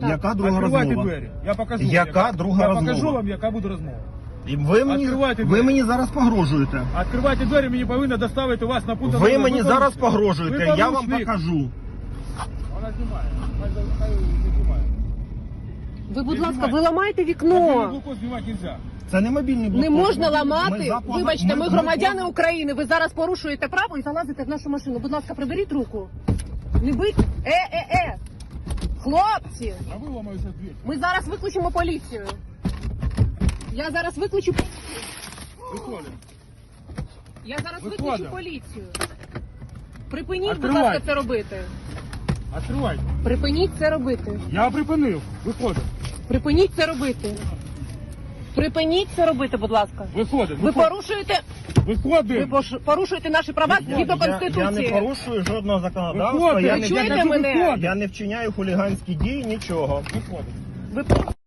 Яка друга Відкривайте розмова? двері. Я покажу. Яка друга Я розмова? покажу вам, яка буде розмова. І ви Відкривайте ви двері. мені зараз погрожуєте. Відкривайте двері, мені повинно доставити вас на пункт. Ви мені зараз Ви погрожуєте, я вам порушник. покажу. Вона знімає. Хай не знімає. Ви, будь Не ласка, знімайте. ви ламаєте Мобільний вікно. блокпост знімати нельзя. Це не мобільний Не блокпост. можна Ми ламати. за- Вибачте, ми ми- громадяни України. Ви зараз порушуєте право і залазите в нашу машину. Будь ласка, приберіть руку. Не бить. Хлопці, А ви ламаєте двері. ми зараз виключимо поліцію. Я зараз виключу. Виходимо. Я зараз Виходимо. виключу поліцію. Припиніть, будь Відкривайте. ласка, це робити. Відкривайте. Припиніть це робити. Я припинив. Виходимо. Припиніть це робити. Припиніть це робити, будь ласка. Виходимо. Ви порушуєте, Виходимо. порушуєте наші права згідно Я Конституції. не порушую жодного законодавства, Виходимо. я Ви не, чуєте кажу, мене? виходимо. я не вчиняю хуліганські дії, нічого. Виходимо. Ви